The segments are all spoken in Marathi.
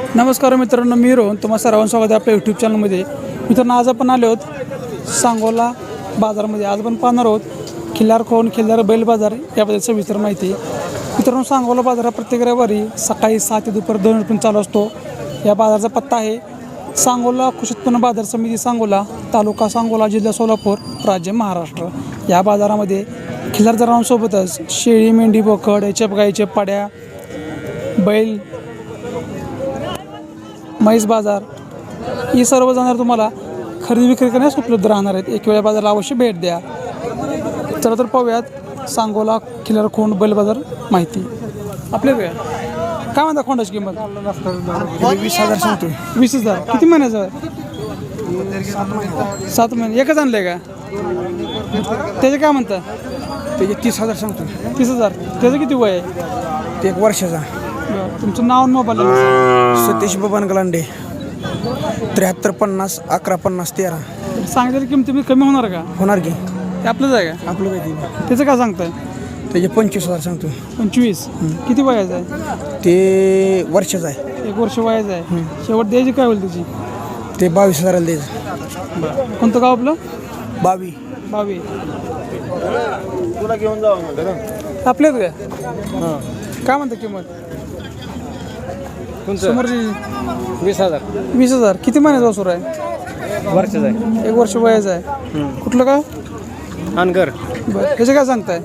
नमस्कार मित्रांनो, मी रोहन तुम्हा सर्वांचं स्वागत आहे आपल्या यूट्यूब चॅनलमध्ये. मित्रांनो, आज आपण आलो आहोत सांगोला बाजारामध्ये. आज आपण पाहणार आहोत खिल्लार खोन खिल्लार बैल बाजार याबद्दल सविस्तर माहिती. मित्रांनो, सांगोला बाजार हा प्रत्येक रविवारी सकाळी 7 ते दुपारी 2 पर्यंत चालू असतो. या बाजाराचा पत्ता आहे सांगोला कृषी उत्पन्न बाजार समिती सांगोला, तालुका सांगोला, जिल्हा सोलापूर, राज्य महाराष्ट्र. या बाजारामध्ये खिल्लार जनावरांसोबतच शेळी, मेंढी, बोकड, याच्या गाईच्या पाड्या, बैल, म्हैस बाजार ही सर्व जनावर तुम्हाला खरेदी विक्री करण्यास उपलब्ध राहणार आहेत. एक वेळा बाजाराला अवश्य भेट द्या. चला तर पाहूयात सांगोला खिल्लार खोंड बैल बाजार माहिती. आपल्याकडे काय म्हणता खोंडाची किंमत? 20,000 सांगतोय. 20,000. किती महिन्याचं आहे? 7 महिने. एकच आणलं आहे का? त्याचे काय म्हणता? त्याचे 30,000 सांगतोय. 30,000. त्याचं किती वय आहे? ते 1 वर्षाचा. तुमचं नाव आणि मोबाईल नंबर? सतीश बबन गलांडे. 73 50 11 50 13. सांगितलेली किमती मी कमी होणार का? होणार की ते आपलंच आहे का? आपलं माहिती. त्याचं काय सांगताय? त्याचे 25,000 सांगतोय. 25. किती वयाचं आहे? ते वर्षाचं आहे. 1 वर्ष वयाचं आहे. शेवट द्यायची काय होईल त्याची? ते 22,000 द्यायचं. कोणतं गाव आपलं? बावी. तुला घेऊन जाऊ आपल्याच काय? काय म्हणता किंमत? समोरची 20,000 20,000. किती महिन्याचा वासुर आहे? वर्षाचा आहे. 1 वर्ष वयाचं आहे. कुठलं गाव? अनगर. बरं. त्याचे काय सांगताय?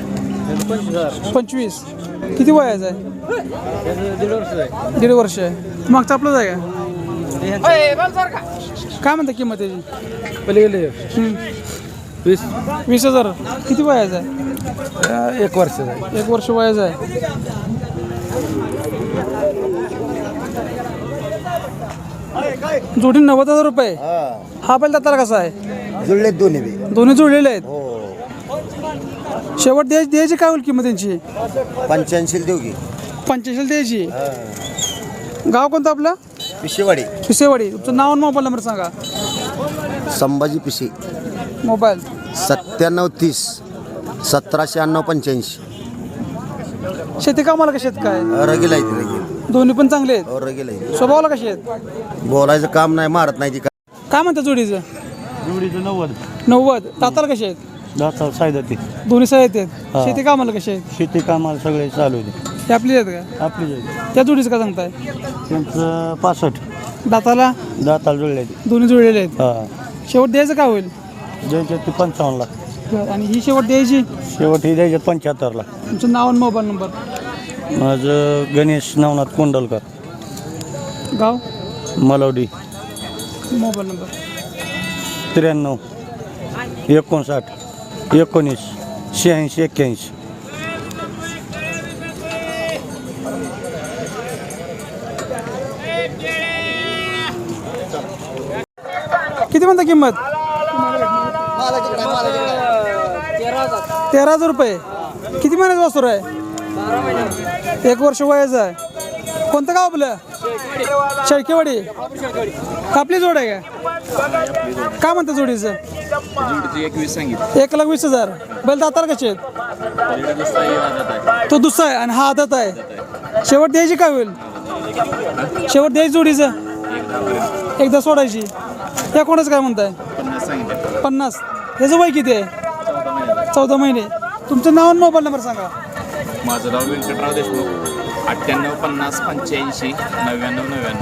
25. किती वयाचं आहे? 1.5 वर्षाचा आहे. 1.5 वर्ष आहे. मागचं आपलंच आहे का? काय म्हणता किंमत त्याची? पलीकडे 20,000. किती वयाचं आहे? 1 वर्षाचा आहे. 1 वर्ष वयाचं आहे. जोडी 90,000 रुपये. हा बैल दाताला कसा आहे? जुळले दोन्ही बी. दोन्ही जुळलेले आहेत. शेवट द्यायची काय होईल किंमत त्यांची? 85 देऊ की. 85 द्यायची. गाव कोणतं आपलं? पिशेवाडी. पिसेवाडी. तुमचं नाव आणि मोबाईल नंबर सांगा. संभाजी पिशे. मोबाईल 9730 1796 85. शेती कामाला कशी आहेत काय? रगेल आहे ती रगेल. दोन्ही पण चांगले आहेत. रगेल आहे. स्वभावाला कशी आहेत? बोलायचं काम नाही, मारत नाही ती. काय म्हणतात जोडीचं? जोडीचं 90. 90. दाताला कशी आहेत? दाता सायदा ते दोन्ही साईड आहेत. शेती कामाला कशी आहेत? शेती कामाला सगळे चालू आहे. ते आपली आहेत का? आपली त्या जोडीचं काय सांगताय? त्यांचं 65. दाताला दाताला जुळले ते. दोन्ही जुळलेले आहेत. हा. शेवट द्यायचं काय होईल? द्यायचे ते 55 ला. आणि ही शेवट द्यायची? शेवट हे द्यायचे 75 ला. तुमचं नाव आणि मोबाईल नंबर? माझं गणेश नवनाथ कोंडलकर, गाव? मलवडी. Mobile number? 93 59 19 86 81. किती म्हणता किंमत? 13,000 रुपये. किती महिन्याचं वासुर आहे? 1 वर्ष वयाचं आहे. कोणतं गाव आपलं? शेळकेवाडी. आपली जोड आहे का? काय म्हणतं जोडीचं? 1,20,000. बैल दातार कसे आहेत? तो दुसरा आहे आणि हा आदत आहे. शेवट द्यायची काय होईल? शेवट द्यायची जोडीचं? एकदा सोडायची. या कोणाचं काय म्हणताय? 50. याचं वय किती आहे? 14 महिने. तुमचं नाव आणि मोबाईल नंबर सांगा. माझं नाव व्यंकटराव देशमुख. 98 50 85 99 99.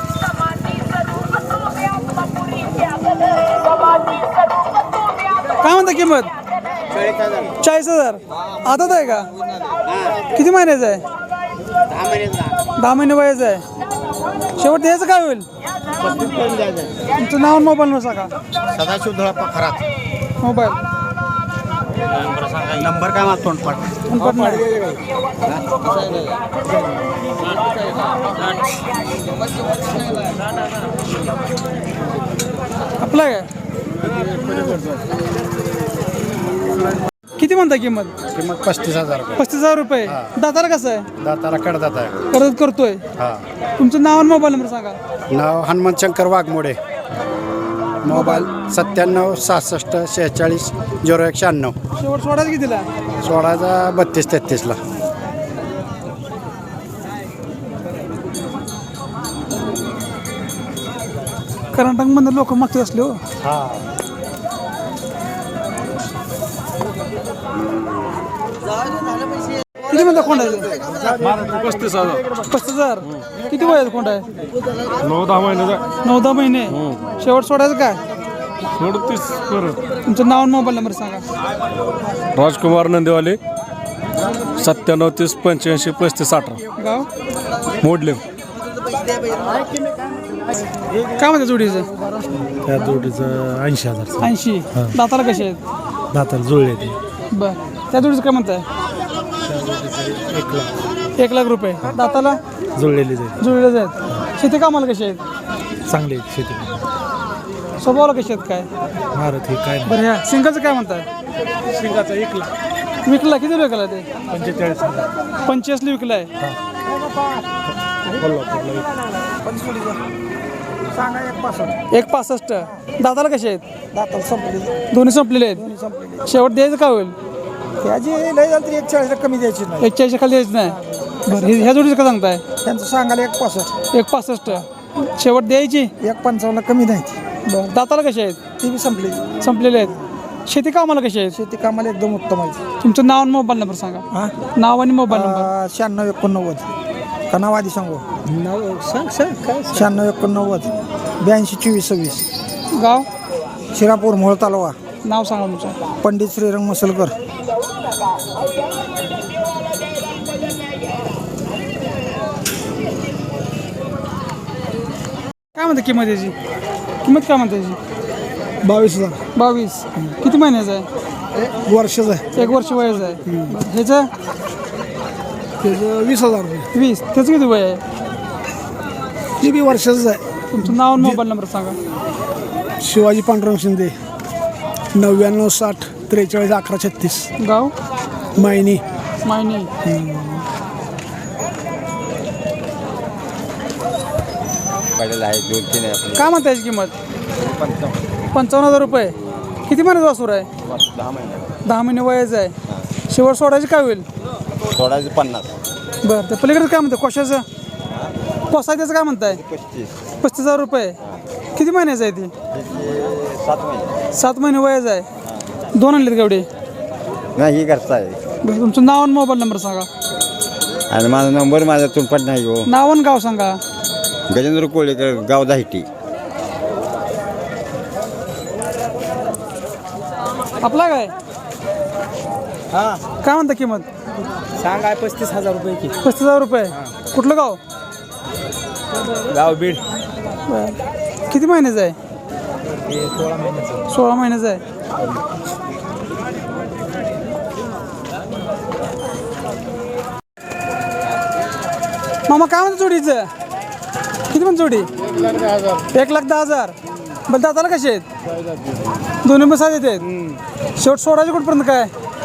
काय म्हणता किंमत? 40,000. आदत आहे का? किती महिन्याचं आहे? 10 महिने वयाचं आहे. शेवट द्यायचं काय होईल? तुमचं नाव आणि मोबाईल नंबर सांगा. सदाशिव धुळापा खरात. मोबाईल नंबर काय माझा तोंडपाठ. आपला काय? किती म्हणता किंमत? किंमत 35,000. 35,000 रुपये. दाताला कसं आहे? दाताला कडदात आहे. करत करतोय. हा. तुमचं नाव आणि मोबाईल नंबर सांगा. नाव हनुमंत शंकर वाघमोडे. मोबाईल 97 66 46 0196. शेवट सोडायचं कितीला? सोळाचा 32 33ला. कर्नाटकमधून लोक मागते असले हो. किती म्हणता कोंड आहे 35,000. किती वय आहे कोंड आहे? 9-10 महिन्याचा 9-10 महिने. शेवट सोडायचं काय? 37 बरं. तुमचं नाव आणि मोबाईल नंबर सांगा. राजकुमार नंदेवाले 97 30 85 35 18 गाव मोडले. काय म्हणते जोडीचं? त्या जोडीचं 80,000 80. दाताला कसे आहेत? दाताला जुळले ते बर. त्या जोडीचं काय म्हणताय? 1,00,000 रुपये. दाताला जुळलेली जाईल. जुळलेच आहेत. शेती कामाला कशी आहेत? चांगले शेती स्वभावाला कशी आहेत काय? भारत हे काय बरं ह्या सिंगलचं काय म्हणताय? शिंगाचा 1,00,000 विकला किती विकला ते? 45,000 85 विकलाय. सांगा 1,65. दाताला कसे आहेत? दाताला संपली दोन्ही संपलेले आहेत. शेवट द्यायचं का होईल? त्याची लय झाली तरी 41 कमी द्यायची नाही. 41 खाली द्यायचं नाही. बरं ह्या जोडीचं का सांगताय? त्यांचं सांगायला 1,65. 1,65. शेवट द्यायची. 1,55 कमी नाही ती. बरं. दाताला कसे आहेत? ती बी संपली. संपलेले आहेत. शेती कामाला कशी आहेत? शेती कामाला एकदम उत्तम आहे. तुमचं नाव आणि मोबाईल नंबर सांगा. हा नाव आणि मोबाईल नंबर. 96 89 का नाव आधी सांगू? 96 89 82 24 26. गाव शिरापूर मोहोळ तालुका. नाव सांगा तुमचं. पंडित श्रीरंग मसलकर. काय म्हणते किंमत याची? किंमत काय म्हणते याची? 22,000 22. किती महिन्याचं आहे? वर्षाचं आहे. 1 वर्ष वयाचं आहे. बरं. ह्याचं त्याचं 20,000 रुपये. 20. त्याचं किती वय आहे? ती बी वर्षाचंच आहे. तुमचं नाव आणि मोबाईल नंबर सांगा. शिवाजी पांडुरंग शिंदे 99 60 43 11 36. गाव मायनी. मायनी. काय म्हणता याची किंमत? 55,000 रुपये. किती महिन्याचा वासूर आहे? 10 महिने वयाचं आहे. शेवट सोडायची काय होईल? सोळाशे 50. बरं. त्या पलीकडे काय म्हणतं कोशाचं? कोसा त्याचं काय म्हणताय? 35,000 रुपये. किती महिन्याचं आहे ती? 7 महिने वयाचं आहे. 2 आणलेत गावडे? नाही घरचा आहे. बरं. तुमचं नाव आणि मोबाईल नंबर सांगा. आणि माझा नंबर माझा तुमपट नाही हो. नाव आणि गाव सांगा. गजेंद्र कोळेकर गाव दाहिटी. आपला काय? काय म्हणता किंमत? सांगा 35,000 रुपये की. 35,000 रुपये. कुठलं गाव? गाव बीड. बरं. किती महिन्याचं आहे? 16 महिन्याचं. 16 महिन्याचं आहे. मामा काय म्हणतं जोडीचं? किती म्हणत जोडी? 1,10,000. बरं. दाताला कसे आहेत? दोन्ही मसाले आहेत. शेवट सोडायचे कुठपर्यंत काय?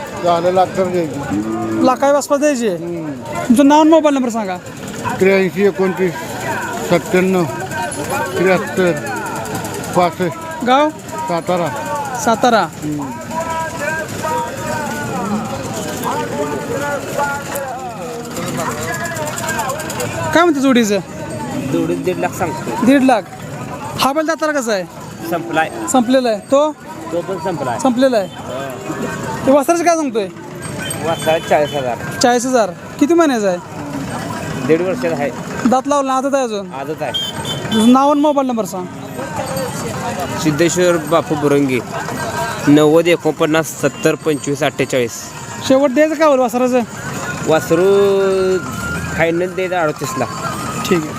लाखाई वाजपास द्यायचे. तुमचं नाव आणि मोबाईल नंबर सांगा. 83 29 97 73 65 गाव सातारा. सातारा. काय म्हणते जोडीचं? जोडीत 1.5 लाख सांगतो. 1.5 लाख. हा बैल दाताला कसा आहे? संपलाय. संपलेला आहे. तो पण संपलाय. संपलेला आहे. ते वस्त्राचं काय सांगतोय? वर्षाला 40,000. 40,000. किती महिन्याचं आहे? 1.5 वर्षाचा आहे. दात लावला आदत आहे अजून? आजच आहे. तुझं नाव आणि मोबाईल नंबर सांग. सिद्धेश्वर बापू बुरंगी 90 49 70 25 48. शेवट द्यायचं काय होईल वस्त्राचं? वासरू फायनल द्यायचं 38 ला. ठीक आहे.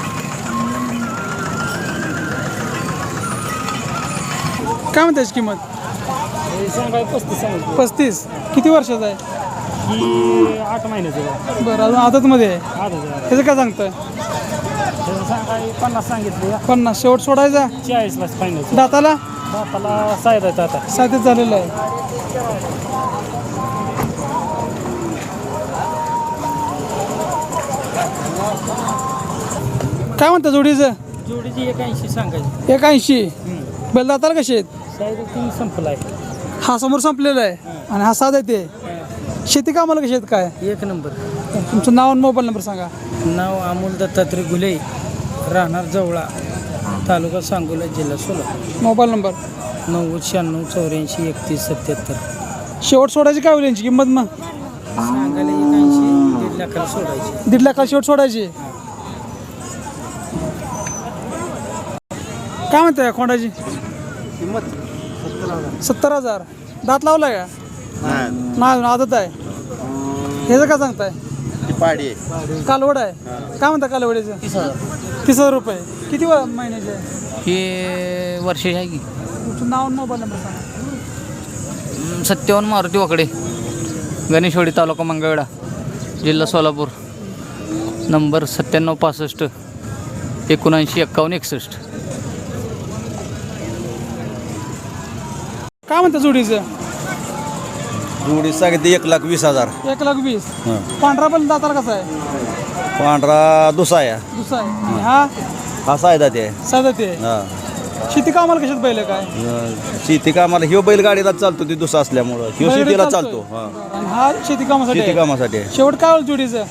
काय म्हणते याची किंमत? 35. किती वर्षाचं आहे? 8 महिन्याचं. बरं. अजून आदतमध्ये आहे. त्याचं काय सांगतोय? 50 सांगितले. 50. शेवट सोडायचा? 40 ला फायनल. दाताला? दाताला 6 आहेत आता. 7 झालेलं आहे. काय म्हणता जोडीचं? जोडीची 81 सांगायची. 81. बैल दाताला कसे आहेत? संपलाय. हा समोर संपलेला आहे आणि हा साधा आहे ते. शेती कामाला कशी आहेत काय? 1 नंबर. तुमचं नाव आणि मोबाईल नंबर सांगा. नाव अमोल दत्तात्रय गुले राहणार जवळा तालुका सांगोला जिल्हा सोलापूर. मोबाईल नंबर 909684 शेवट सोडायची काय होईल यांची किंमत मग? सांगायला 81 1.5 लाखाला सोडायची. 1.5 लाखाला शेवट सोडायची. काय म्हणताय या खोंडाची? 70,000. दात लावलाय का? नाही आदत आहे. ह्याचं काय सांगताय? पाडी कालवड आहे. काय म्हणता कालवडीचं? 30,000 रुपये. किती महिन्याचे आहे? हे वर्षे आहे की तुमचं नाव आणि मोबाईल नंबर सांगा. सत्यवन मारुती वाकडे, गणेशवाडी, तालुका मंगळवेढा, जिल्हा सोलापूर. नंबर 9765 79 51 61. काय म्हणता जोडीचं? जोडी सांगितली 1,20,000. 1,20,000. पांढरा पण दाताला कसा आहे? पांढरा दुसा आहे. दुसरा आहे. आणि हा हा सायदा ते साधा ते. शेती कामाला कशात बैल आहे काय? शेती कामाला ह्यो बैलगाडीला चालतो ती दुसा असल्यामुळं ह्यो बैलगाडी शेतीला चालतोय. चालतो. आणि हा शेती कामासाठी शेती आहे. कामासाठी आहे. शेवट काय होईल जोडीचं?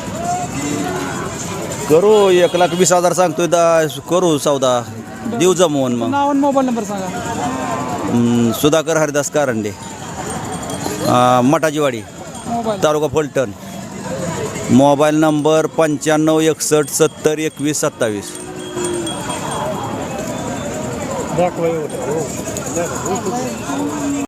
करू 1,20,000 सांगतोय करू सौदा देऊ जमवून मग. नाव आणि मोबाईल नंबर सांगा. सुधाकर हरिदास कारंडे, मटाजीवाडी, मोबाईल तालुका फलटण. Mobile number 95 61 70 21 27. दाखवा एवढं.